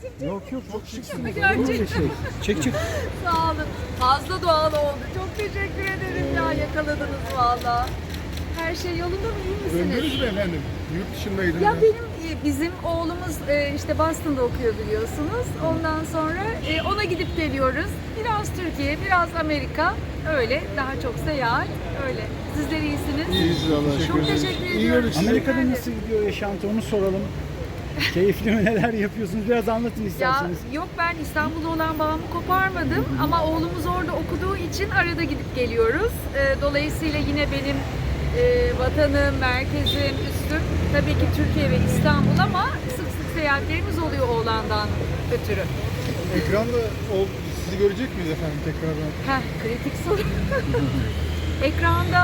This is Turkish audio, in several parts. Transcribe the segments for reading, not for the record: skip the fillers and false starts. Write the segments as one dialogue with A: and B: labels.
A: Yok yok, çok şıksınız.
B: Gerçekten.
A: Çek çek.
B: Sağ olun. Fazla doğal oldu. Çok teşekkür ederim ya. Yakaladınız valla. Her şey yolunda mı? İyi misiniz?
C: Döndünüz mü efendim? Yurt dışındaydınız.
B: Ya bizim oğlumuz işte Boston'da okuyor biliyorsunuz. Ondan sonra ona gidip geliyoruz. Biraz Türkiye, biraz Amerika. Öyle. Daha çok seyahat. Öyle. Sizler iyisiniz.
C: İyiyiz Allah'a
B: Çok
C: şükür.
B: teşekkür
C: İyi
B: ediyorum.
C: gördük sizi.
A: Amerika'da nasıl gidiyor yaşantı, onu soralım. Keyifli mi, neler yapıyorsunuz? Biraz anlatın
B: Ya
A: isterseniz.
B: yok, ben İstanbul'da olan bağımı koparmadım ama oğlumuz orada okuduğu için arada gidip geliyoruz. Dolayısıyla yine benim vatanım, merkezim, üstüm tabii ki Türkiye ve İstanbul ama sık sık seyahatlerimiz oluyor oğlandan ötürü.
C: Ekranda sizi görecek miyiz efendim tekrardan?
B: Heh, kritik soru. Ekranda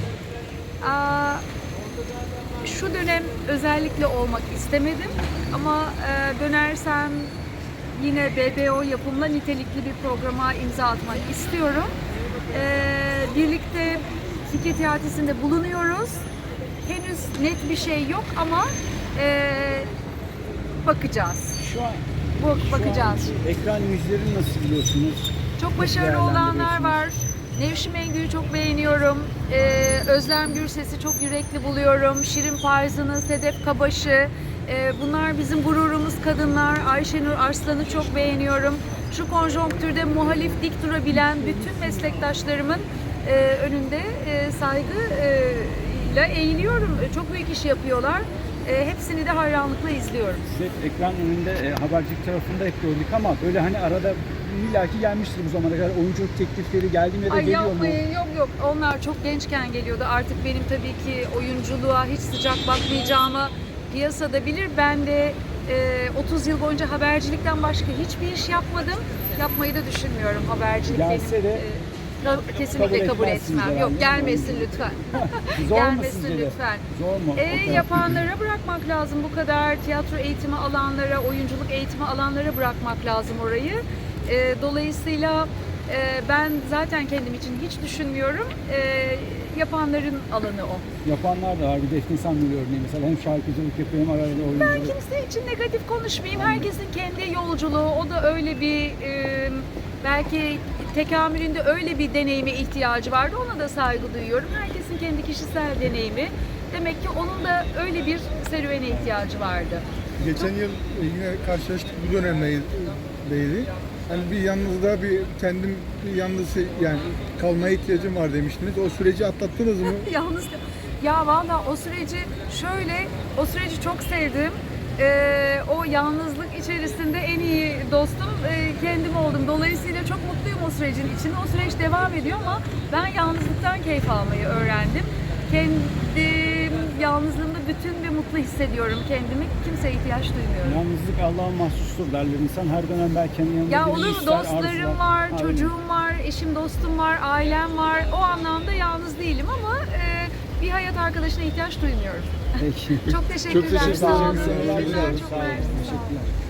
B: şu dönem özellikle olmak istemedim ama dönersem yine BBO yapımla nitelikli bir programa imza atmak istiyorum. Birlikte Fikir Tiyatrısı'nda bulunuyoruz. Henüz net bir şey yok ama bakacağız.
A: Şu an
B: Bakacağız.
A: ekran yüzlerini nasıl biliyorsunuz?
B: Çok başarılı olanlar var. Nevşin Mengü'yü çok beğeniyorum. Özlem Gürses'i çok yürekli buluyorum. Şirin Parzan'ı, Sedef Kabaş'ı. Bunlar bizim gururumuz kadınlar. Ayşenur Arslan'ı çok beğeniyorum. Şu konjonktürde muhalif dik durabilen bütün meslektaşlarımın önünde saygıyla eğiliyorum. Çok büyük iş yapıyorlar. Hepsini de hayranlıkla izliyorum.
A: Siz ekran önünde habercilik tarafında hep gördük ama böyle hani arada illaki gelmiştir bu zamana kadar, oyunculuk teklifleri geldi mi ya da
B: Ay
A: geliyor mu?
B: yapmayın, yok. Onlar çok gençken geliyordu. Artık benim tabii ki oyunculuğa hiç sıcak bakmayacağımı piyasada bilir. Ben de 30 yıl boyunca habercilikten başka hiçbir iş yapmadım. Yapmayı da düşünmüyorum habercilik.
A: Gelse
B: benim,
A: de
B: kesinlikle kabul
A: etmezsiniz
B: etmem.
A: herhalde.
B: Yok, gelmesin lütfen.
A: Zor mu
B: Gelmesin
A: sizce de?
B: lütfen.
A: Zor mu? O taraf-
B: Yapanlara bırakmak lazım bu kadar. Tiyatro eğitimi alanlara, oyunculuk eğitimi alanlara bırakmak lazım orayı. Dolayısıyla ben zaten kendim için hiç düşünmüyorum. Yapanların alanı o.
A: Yapanlar da var. Bir Defne Samyeli örneği mesela, hem şarkıcılık yapıyor hem arada
B: Ben
A: oyunculuk.
B: kimse için negatif konuşmayayım. Herkesin kendi yolculuğu. O da öyle bir belki tekamülünde öyle bir deneyime ihtiyacı vardı. Ona da saygı duyuyorum. Herkesin kendi kişisel deneyimi. Demek ki onun da öyle bir serüvene ihtiyacı vardı.
C: Geçen yıl yine karşılaştık bu dönemdeydi. Hani bir yalnızlığa kendim bir yalnız yani kalmaya ihtiyacım var demiştiniz. O süreci atlattınız mı?
B: Yalnız ya valla o süreci çok sevdim. O yalnızlık içerisinde en iyi dostum kendim oldum. Dolayısıyla çok mutluyum o sürecin içinde. O süreç devam ediyor ama ben yalnızlıktan keyif almayı öğrendim. Kendim yalnızlığımda bütün ve mutlu hissediyorum kendimi. Kimseye ihtiyaç duymuyorum.
A: Yalnızlık Allah'a mahsustur derler. İnsan her dönem belki kendi yanında
B: Ya
A: birini
B: olur mu?
A: ister,
B: Dostlarım
A: arzular.
B: var,
A: Aynen.
B: çocuğum var, eşim dostum var, ailem var. O anlamda yalnız değilim ama bir hayat arkadaşına ihtiyaç duymuyorum.
A: Peki.
B: Çok teşekkürler.
C: teşekkür
B: Sağ olun.
C: ederim.
B: İyi günler, çok
A: Sağ olun.
B: mersi. Sağ olun.
A: Teşekkürler.